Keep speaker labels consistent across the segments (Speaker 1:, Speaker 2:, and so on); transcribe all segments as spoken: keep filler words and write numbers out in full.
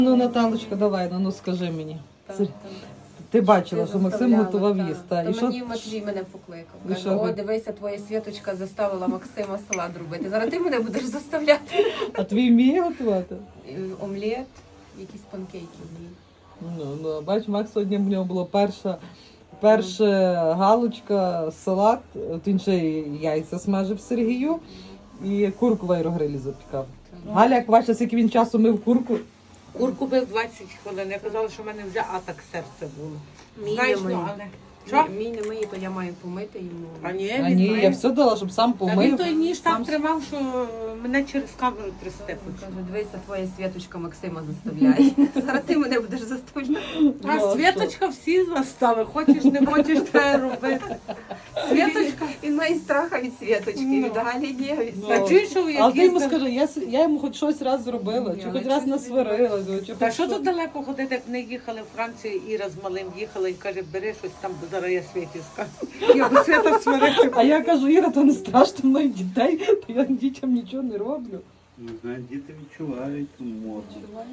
Speaker 1: Ну, Наталочка, давай, ну, ну скажи мені.
Speaker 2: Так,
Speaker 1: Це-
Speaker 2: так.
Speaker 1: Ти бачила,
Speaker 2: Ти
Speaker 1: що Максим
Speaker 2: заставляла,
Speaker 1: готував
Speaker 2: так.
Speaker 1: їсти.
Speaker 2: То
Speaker 1: І що?
Speaker 2: мені Матвій мене покликав.
Speaker 1: І
Speaker 2: Каже,
Speaker 1: що
Speaker 2: о,
Speaker 1: ви?
Speaker 2: дивися, твоя Світочка заставила Максима салат робити. Зараз ти мене будеш заставляти.
Speaker 1: А твій вміє готувати?
Speaker 2: І омлет, якісь панкейки вміє.
Speaker 1: Ну, ну, бач, Макс сьогодні в нього була перша, перша галочка, салат, от він ще й яйця смажив Сергію і курку в аерогрилі запікав. Галя, як бачила, скільки він часу мив курку.
Speaker 3: Курку бив двадцять хвилин. Я казала, що в мене вже атак серця було.
Speaker 2: Мій
Speaker 3: Знаєш,
Speaker 2: не миє.
Speaker 3: ну, але... Що?
Speaker 2: Мій не миє, то я маю помити йому.
Speaker 3: А ні,
Speaker 1: А
Speaker 3: він
Speaker 1: ні,
Speaker 3: має.
Speaker 1: я все дала, щоб сам
Speaker 3: Та він
Speaker 1: помив.
Speaker 3: той ніж так
Speaker 1: сам-
Speaker 3: тримав, що мене через камеру трясти почав.
Speaker 2: Каже, дивися, твоя Світочка Максима заставляє. Зараз ти мене будеш заставляти.
Speaker 3: А
Speaker 1: Ну,
Speaker 3: Світочка всі застави. Хочеш, не хочеш, треба робити. Світочка.
Speaker 2: Він має страха від Світочки,
Speaker 3: Ну.
Speaker 2: від Галі ні, від
Speaker 1: Ну.
Speaker 3: А чуєш, що
Speaker 1: Але ти йому
Speaker 3: якісь...
Speaker 1: скажи, я, с- я йому хоч щось раз зробила,
Speaker 2: Ні,
Speaker 1: чи
Speaker 2: але
Speaker 1: хоч раз
Speaker 2: щось
Speaker 1: насварила. Чи
Speaker 3: Та
Speaker 1: хоч
Speaker 3: що
Speaker 1: що.
Speaker 3: тут далеко ходити, як вони їхали в Францію, Іра з малим їхала і каже, бери щось там, бо зараз я Світі скажу. Я до Свята сварити.
Speaker 1: А я кажу, Іра, то не страшно мною дітей, то я дітям нічого не роблю.
Speaker 4: Не знаю, діти відчувають ту моду.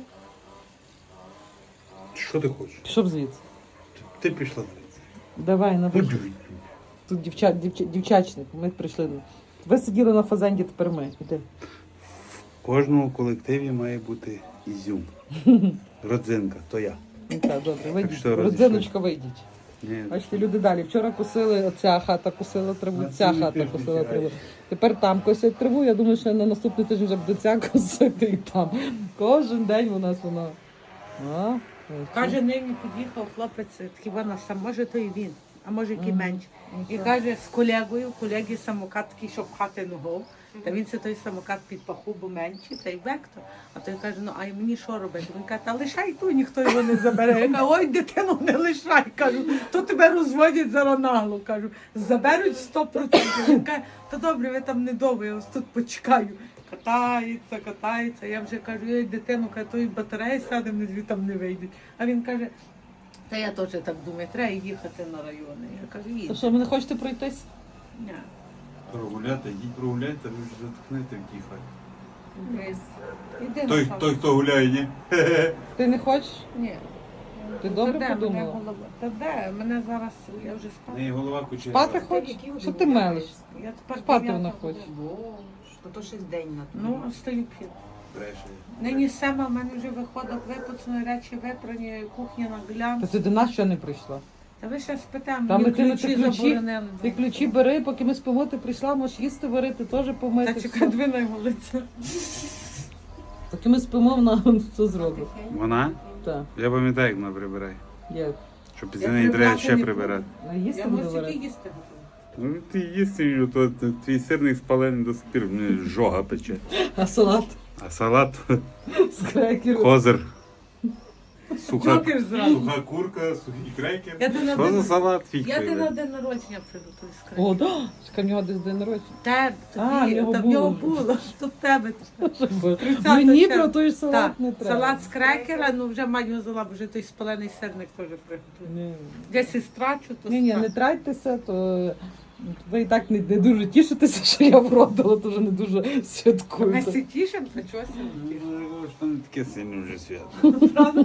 Speaker 4: Що ти хочеш?
Speaker 1: Пішов звідси.
Speaker 4: Ти пішла звідси.
Speaker 1: Давай, на вихід.
Speaker 4: Подюй.
Speaker 1: Тут дівча, дівча, дівчачник, ми прийшли. Ви сиділи на фазенді, тепер ми. Іди.
Speaker 4: В кожному колективі має бути ізюм. Родзинка, то я.
Speaker 1: Ну, так, добре, вийдіть.
Speaker 4: що,
Speaker 1: Родзиночка, вийдіть.
Speaker 4: Ні.
Speaker 1: Бачите, люди далі. Вчора косили, оця хата косила траву,
Speaker 4: На
Speaker 1: ця
Speaker 4: цілий
Speaker 1: хата
Speaker 4: тиждень
Speaker 1: косила
Speaker 4: сідаєш.
Speaker 1: траву. Тепер там косять траву. Я думаю, що на наступний тиждень вже буде ця косити і там. Кожен день у нас воно. А, ось.
Speaker 3: Каже, нині під'їхав хлопець, такий вона сам, може то і він, а може який
Speaker 1: Мгм.
Speaker 3: менш.
Speaker 1: Ну,
Speaker 3: І
Speaker 1: що?
Speaker 3: каже, з колегою, колеги самокат такий, щоб пхати ногу. Та він це той самокат під паху, бо менший, та й вектор. А той каже, ну а й мені що робити? Він каже, та лишай ту, ніхто його не забере. Я кажу, ой, дитину, не лишай. Кажу, то тебе розводять зараз нагло. Кажу, заберуть сто процентів. Він каже, та добре, ви там недовго, я ось тут почекаю. Катається, катається. Я вже кажу, ой, дитину, каже, тої батареї сядемо, дві там не вийдуть. А він каже, та я теж так думаю, треба їхати на райони. Я кажу,
Speaker 1: То
Speaker 3: їдь.
Speaker 1: що, ви не хочете пройтись?
Speaker 3: Ні.
Speaker 4: Прогуляти, йдіть прогуляйте, ви ж затихнете в тій хаті.
Speaker 3: Іди на
Speaker 4: Той,
Speaker 3: сам.
Speaker 4: той, хто гуляє, ні?
Speaker 1: Ти не хочеш?
Speaker 3: Ні.
Speaker 1: Ти
Speaker 3: Та
Speaker 1: добре
Speaker 3: де мене
Speaker 1: подумала?
Speaker 3: голова? Та де? Мене зараз, я вже
Speaker 4: В
Speaker 3: спала.
Speaker 4: неї голова кучера.
Speaker 1: Спати хочеш? Що ти мелиш?
Speaker 3: Я тепер
Speaker 1: Спати
Speaker 3: дев'ята
Speaker 1: вона
Speaker 3: година.
Speaker 1: хоче.
Speaker 2: Боже, то то щось день на
Speaker 3: Ну, встаю п'ять.
Speaker 4: Бреше.
Speaker 3: Нині сама в мене вже виходить випуцані речі, випрані, кухня на глян.
Speaker 1: Та ти до нас ще не прийшла.
Speaker 3: Та ви ще спитаємо,
Speaker 1: Та
Speaker 3: мені
Speaker 1: ми ти,
Speaker 3: ключі
Speaker 1: ти ключі,
Speaker 3: заборонили.
Speaker 1: ти ключі бери, поки ми спимо, ти прийшла, можеш їсти варити, теж помити.
Speaker 3: Та
Speaker 1: все.
Speaker 3: чекай, дві на вулицю.
Speaker 1: Поки ми спимо, вона все зробить.
Speaker 4: Вона?
Speaker 1: Так,
Speaker 4: Я пам'ятаю, як вона прибирає.
Speaker 1: є.
Speaker 4: Що
Speaker 3: Я
Speaker 4: після неї треба
Speaker 3: прибирати
Speaker 4: ще
Speaker 3: не
Speaker 4: прибирати.
Speaker 1: А їсти
Speaker 3: Я
Speaker 1: буде
Speaker 3: можу
Speaker 1: варити?
Speaker 3: тільки їсти.
Speaker 4: Ну ти їсти, то, то твій сирник спалений до сих пір, мені жога пече.
Speaker 1: А салат
Speaker 4: А салат,
Speaker 1: з крекеру.
Speaker 4: козир, суха,
Speaker 3: Джокер зразу.
Speaker 4: суха курка, сухий крекер.
Speaker 3: Я ти на
Speaker 4: Що за
Speaker 3: день-
Speaker 4: салат
Speaker 3: Я ти на
Speaker 4: фігтовий?
Speaker 3: день народження приготую з
Speaker 1: О, да, чекай, в нього десь день народження.
Speaker 3: Тебе,
Speaker 1: А, в
Speaker 3: тобі,
Speaker 1: нього
Speaker 3: та в нього
Speaker 1: було.
Speaker 3: було, що в тебе. тридцятого
Speaker 1: Мені
Speaker 3: червня.
Speaker 1: про той салат
Speaker 3: Так,
Speaker 1: не треба.
Speaker 3: салат з крекера, ну вже мать його взяла, бо вже той спалений сирник теж приготую.
Speaker 1: Ні.
Speaker 3: Десь і страчу, то
Speaker 1: Ні, ні,
Speaker 3: страчу.
Speaker 1: не тратьтеся, то ви і так не, не дуже тішитеся, що я вродила, то вже не дуже
Speaker 3: Ми
Speaker 1: святкуєте.
Speaker 3: всі тішимо, та чогось не тішимо.
Speaker 4: Ну, що не таке сильне вже свято.
Speaker 3: Правда?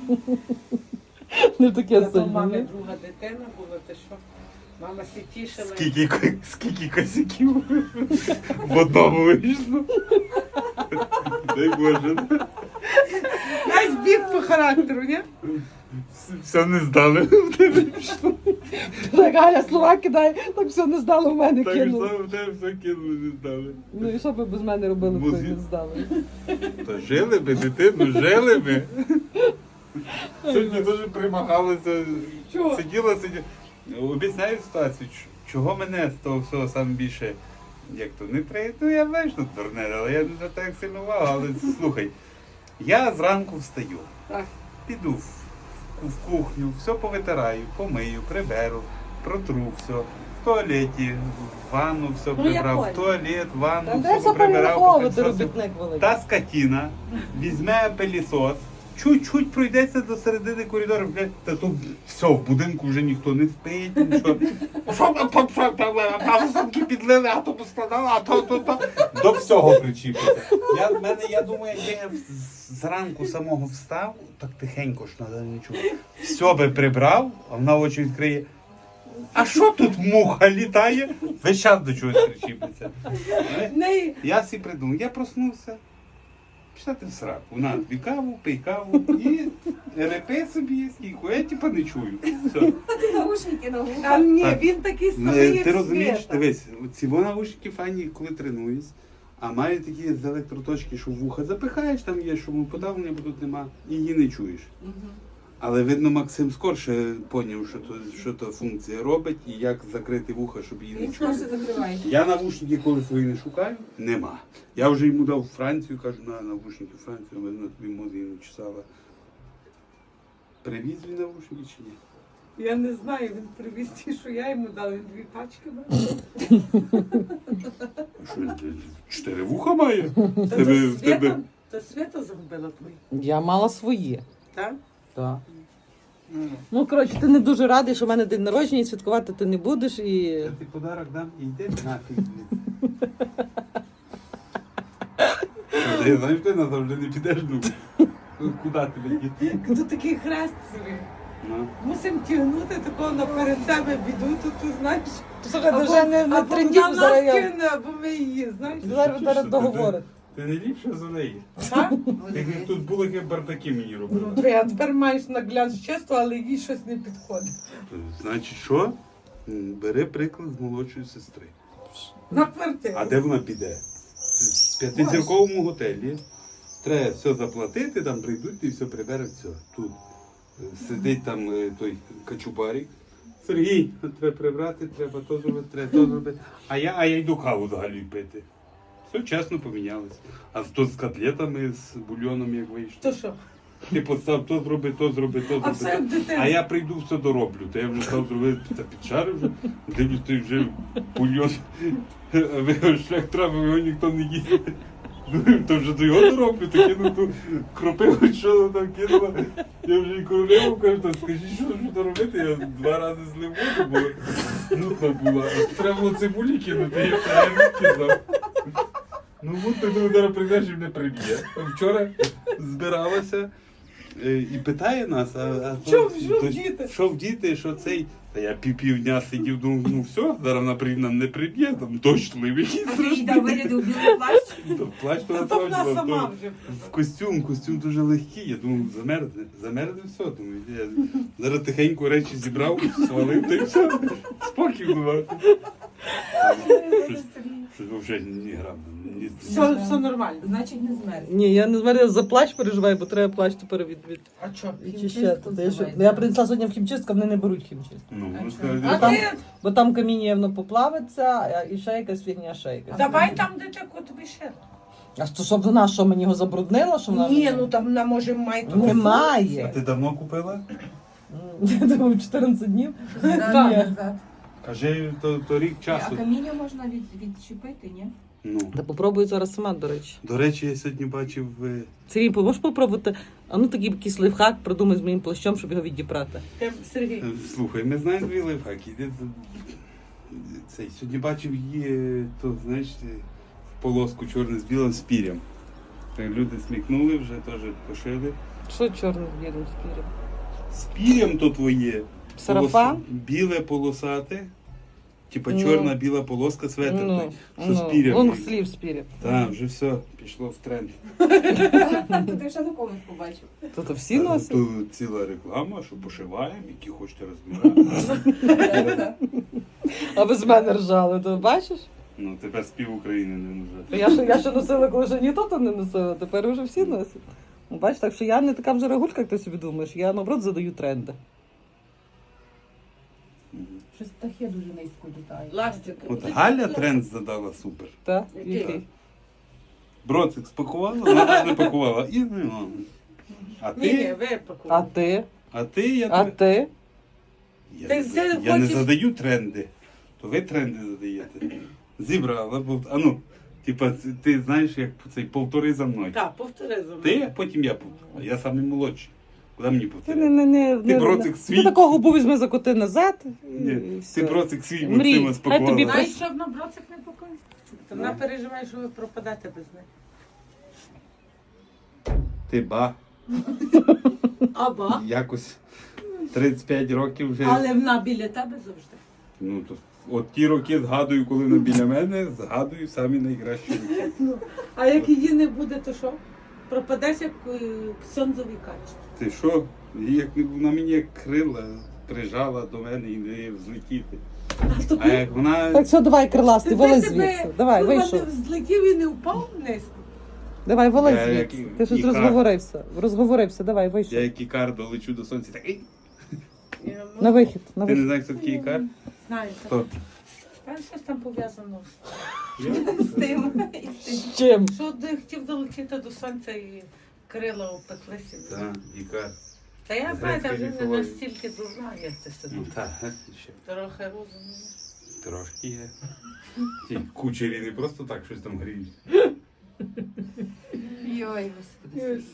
Speaker 1: Не таке
Speaker 3: Я до
Speaker 1: сильне.
Speaker 3: мами
Speaker 1: ні?
Speaker 3: друга дитина була, ти що? Мама всі тішила.
Speaker 4: Скільки, ко- скільки косяків в одному вийшло. Дай Боже.
Speaker 3: Дай збіг по характеру, ні?
Speaker 4: Все не здали в тебе пішло.
Speaker 1: Так, Галя, слова кидає, так все не здало в мене
Speaker 4: Так
Speaker 1: кинули.
Speaker 4: що в тебе все кинули, не здали.
Speaker 1: Ну і що б ви без мене робили, коли
Speaker 4: Музик.
Speaker 1: не здали?
Speaker 4: Та жили би, дитину, жили би. Сьогодні дуже примагалися.
Speaker 3: Чого?
Speaker 4: Сиділа, сиділа. Об'ясняю ситуацію, ч- чого мене з того всього саме більше, як то, не треба, ну я знаю, що дурне, але я не звертаю як сильно увагу, але слухай, я зранку встаю,
Speaker 3: Так.
Speaker 4: піду в, в кухню, все повитираю, помию, приберу, протру все, в туалеті, в ванну все
Speaker 3: Ну, я
Speaker 4: прибрав, в
Speaker 3: поняла.
Speaker 4: туалет, в
Speaker 1: Та
Speaker 4: ванну,
Speaker 1: де
Speaker 4: все поприбирав,
Speaker 1: заперераховувати
Speaker 4: поки все-
Speaker 1: робітник великий?
Speaker 4: та скотина візьме пилісос, чуть-чуть пройдеться до середини коридору, блядь, та то все, в будинку вже ніхто не спить, нічого. Що там, там, що там, а сумки підлили, а то поскладали, а то, то, то. До всього причіпиться. Я, в мене, я думаю, якби я з- зранку самого встав, так тихенько ж надо нічого. Все би прибрав, а вона очі відкриє. А що тут муха літає? Весь час до чогось причіпиться.
Speaker 3: Не,
Speaker 4: Я всі придумав, я проснувся. Пішла ти в сраку. На, тобі каву, пий каву і репи собі, скільки. Я типа не чую. Все.
Speaker 2: Ти наушники на
Speaker 3: а
Speaker 2: вухах.
Speaker 3: ні,
Speaker 4: Так.
Speaker 3: він такий
Speaker 4: Е,
Speaker 3: самий, як
Speaker 4: Ти розумієш,
Speaker 3: Света.
Speaker 4: дивись, ці наушники файні, коли тренуюсь, а мають такі з електроточки, що в вуха запихаєш, там є, що подавлення, бо тут нема, і її не чуєш. Але видно, Максим скорше поняв, що то, що то функція робить і як закрити вуха, щоб її не
Speaker 2: Він
Speaker 4: чути.
Speaker 2: скорше закриває.
Speaker 4: Я навушники, коли свої не шукаю, нема. Я вже йому дав Францію, кажу, на навушники Францію, вона тобі мозги не чесала. Привіз він навушники чи ні?
Speaker 3: Я не знаю, він привіз ті, що я йому дала, він дві пачки мав.
Speaker 4: Що, він, чотири вуха має? В
Speaker 3: Та
Speaker 4: тебе,
Speaker 3: то
Speaker 4: в тебе...
Speaker 3: Света, то Света загубила твої,
Speaker 1: Я мала свої.
Speaker 3: так?
Speaker 1: Так. Ну, коротше, ти не дуже радий, що в мене день народження і святкувати ти не будеш. І...
Speaker 4: Я ти подарок дам і йди нафіг. Я знаю, ти назавжди не підеш, ну. Куди тебе діти?
Speaker 3: Тут такий хрест собі.
Speaker 4: Ну.
Speaker 3: Мусимо тягнути такого наперед себе біду, то ти знаєш.
Speaker 1: Слухай,
Speaker 3: Або-
Speaker 1: вже не, не
Speaker 3: або
Speaker 1: трендів
Speaker 3: вона
Speaker 1: зараз.
Speaker 3: нас
Speaker 1: я-
Speaker 3: кине, або ми її, знаєш.
Speaker 1: Зараз зараз договорить.
Speaker 4: Ти не ліпше за неї.
Speaker 3: Так?
Speaker 4: Ти як тут були, як бардаки мені робили.
Speaker 3: Ну, ти, а тепер маєш нагляд чесно, але їй щось не підходить.
Speaker 4: Значить, що? М, Бери приклад з молодшої сестри.
Speaker 3: На квартиру.
Speaker 4: А де вона піде? В п'ятизірковому готелі. Треба все заплатити, там прийдуть і все прибере, все. Тут е, сидить там е, той качубарік. Сергій, треба прибрати, треба то зробити, треба то зробити. А я, а я йду каву взагалі пити. Все чесно помінялось. А то з котлетами, з бульйоном як вийшло.
Speaker 3: То що?
Speaker 4: Ти постав то зроби, то зроби, то
Speaker 3: А все
Speaker 4: зроби.
Speaker 3: як дитина.
Speaker 4: А я прийду, все дороблю. То я вже став зробити та підшарив вже. Дивлюсь, той вже бульйон. А ви його шлях травив, його ніхто не їсть. Ну, то вже до його дороблю, то кину ту кропиву, що там кинула. Я вже і королеву кажу, та скажіть, що ж то робити. Я два рази злив воду, бо нудна була. А треба було цибулі кинути, я це я не кидав. Ну от ти думаю, зараз прийдеш і мене приб'є. Вчора збиралася е, і питає нас, а, а
Speaker 3: Що-
Speaker 4: то-
Speaker 3: що
Speaker 4: то-
Speaker 3: вдіти?
Speaker 4: що вдіти, що цей. Та я пів півдня сидів, думав, ну все, зараз вона прийде, нам не приб'є, там дощливий якийсь
Speaker 2: А ти їй
Speaker 4: страшний.
Speaker 2: там вирядив білий плащ?
Speaker 4: То плащ то
Speaker 3: Та то вона
Speaker 4: насправді,
Speaker 3: сама
Speaker 4: то
Speaker 3: вже.
Speaker 4: в костюм, костюм дуже легкий. Я думав, замерзне. Замерзне все, думаю. Я зараз тихенько речі зібрав, свалив, та й все. Спокій була. Щось, щось взагалі ні грам. Ні,
Speaker 3: Все, все нормально.
Speaker 2: Значить, не змерз.
Speaker 1: Ні, я не змерзла, за плащ переживаю, бо треба плащ тепер від, від...
Speaker 3: А що?
Speaker 1: відчищати. Та я, що-
Speaker 2: називається.
Speaker 1: я принесла сьогодні в хімчистку, вони не беруть хімчистку.
Speaker 4: Ну,
Speaker 2: А
Speaker 4: ну,
Speaker 2: що?
Speaker 4: скажи,
Speaker 3: А
Speaker 1: там-
Speaker 3: ти
Speaker 1: Бо там каміння воно поплавиться, а- і ще якась фігня, ще якась.
Speaker 3: давай там, де таку тобі ще.
Speaker 1: А що, щоб вона, що мені його забруднила, що вона...
Speaker 3: Ні,
Speaker 1: мені-
Speaker 3: ну там вона може має тут.
Speaker 4: А
Speaker 1: Немає.
Speaker 4: ти давно купила?
Speaker 1: Я думаю, чотирнадцять днів.
Speaker 2: Зразу
Speaker 1: Ні.
Speaker 2: назад.
Speaker 4: Кажи, то, то рік
Speaker 2: А
Speaker 4: часу.
Speaker 2: каміння можна від, відчепити, ні?
Speaker 4: Ну.
Speaker 1: Та попробую зараз сама, до речі.
Speaker 4: До речі, я сьогодні бачив. е,
Speaker 1: Сергій, можеш попробувати? А ну такий якийсь лайфхак придумай з моїм плащом, щоб його відібрати.
Speaker 3: Ти, Сергій.
Speaker 4: е, Слухай, ми знаємо дві лайфхаки. Іди за- Цей, сьогодні бачив її, е, то, знаєш, е, в полоску чорне з білим з пір'ям. Так люди смікнули, вже теж пошили.
Speaker 1: Що чорне з білим спір'ям?
Speaker 4: З пір'ям то твоє.
Speaker 1: Сарафан?
Speaker 4: Полос- Біле полосате. Типа
Speaker 1: Ну.
Speaker 4: чорна біла полоска, светр
Speaker 1: Ну,
Speaker 4: той, що з
Speaker 1: ну,
Speaker 4: пір'ям.
Speaker 1: вон слів з пір'ям.
Speaker 4: Так, вже все, пішло в тренд.
Speaker 2: То ти ще на комусь побачив.
Speaker 1: То то всі носять?
Speaker 4: Тут ціла реклама, що пошиваємо, які хочете розміри.
Speaker 1: А ви з мене ржали, то бачиш?
Speaker 4: Ну, тепер спів України не нужен.
Speaker 1: Я ще, я ще носила, коли ще ніхто то не носила, тепер вже всі носять. Ну, бачиш, так що я не така вже рагулька, як ти собі думаєш, я наоборот задаю тренди.
Speaker 2: Щось птахи дуже низько літають.
Speaker 3: Ластик.
Speaker 4: От Галя тренд задала супер.
Speaker 1: Так?
Speaker 3: Який?
Speaker 1: Який?
Speaker 4: Броцик спакувала, вона не пакувала. І ну. А
Speaker 3: Ні, ні,
Speaker 4: ти?
Speaker 3: ви
Speaker 1: А
Speaker 3: пакуєте.
Speaker 1: ти?
Speaker 4: А ти я
Speaker 1: А
Speaker 4: тебе-
Speaker 1: ти?
Speaker 4: Я,
Speaker 3: Ти
Speaker 4: не,
Speaker 3: все
Speaker 4: за- я не
Speaker 3: хочеш-
Speaker 4: задаю тренди. То ви тренди задаєте. Зібрала, бо а ну, Типа, це- ти знаєш, як цей повтори за мною.
Speaker 3: Так, повтори за мною.
Speaker 4: Ти, а потім я повторю. Я самий молодший. Куди мені
Speaker 1: Ти,
Speaker 4: повторяти?
Speaker 1: не, не, не,
Speaker 4: Ти
Speaker 1: не-
Speaker 4: броцик
Speaker 1: ти
Speaker 4: свій.
Speaker 1: такого губу візьми за коти назад. І,
Speaker 4: Ні,
Speaker 1: і
Speaker 4: ти
Speaker 1: все.
Speaker 4: броцик свій
Speaker 1: Мрій,
Speaker 4: Максима
Speaker 1: хай тобі
Speaker 4: спакувала.
Speaker 3: Знаєш, що вона броцик не покоїть? То вона
Speaker 4: Ну.
Speaker 3: переживає, що ви пропадете без неї.
Speaker 4: Ти ба.
Speaker 3: Аба.
Speaker 4: Якось тридцять п'ять років вже.
Speaker 3: Але вона біля тебе завжди.
Speaker 4: Ну, то, от ті роки згадую, коли вона біля мене, згадую самі найкращі роки.
Speaker 3: Ну, а як її не буде, то що? Пропадеш як е, ксьондзові качки.
Speaker 4: Ти що? Її Як не вона мені як крила прижала до мене і не дає взлетіти.
Speaker 3: А то
Speaker 4: А як вона.
Speaker 1: Так, все, давай, криластий, вали звідси. Давай,
Speaker 3: курва,
Speaker 1: вийшов.
Speaker 3: не взлетів і не впав низько.
Speaker 1: Давай, вали
Speaker 4: Я як
Speaker 1: звідси.
Speaker 4: і-
Speaker 1: Ти щось
Speaker 4: і кар.
Speaker 1: розговорився. Розговорився, давай,
Speaker 4: Я
Speaker 1: вийшов.
Speaker 4: як ікар долечу до сонця, так. «Ей!»
Speaker 3: Я, ну,
Speaker 1: На вихід, на
Speaker 4: Ти не
Speaker 1: вихід.
Speaker 4: знаєш, хто такий ікар?
Speaker 3: Знаю,
Speaker 4: Хто?
Speaker 3: там щось там пов'язано.
Speaker 2: З тим. і з тим.
Speaker 1: З чим?
Speaker 3: Що ти хотів долетіти до сонця і крила опеклися.
Speaker 4: Так, ікар.
Speaker 3: Та я
Speaker 4: З
Speaker 3: знаю, я вже не
Speaker 4: грецької
Speaker 3: настільки дурна, як ти собі.
Speaker 4: Ну так, ще
Speaker 3: Трохи розумію.
Speaker 4: трошки є. Ті кучері не просто так щось там гріють.
Speaker 2: Йой, господи.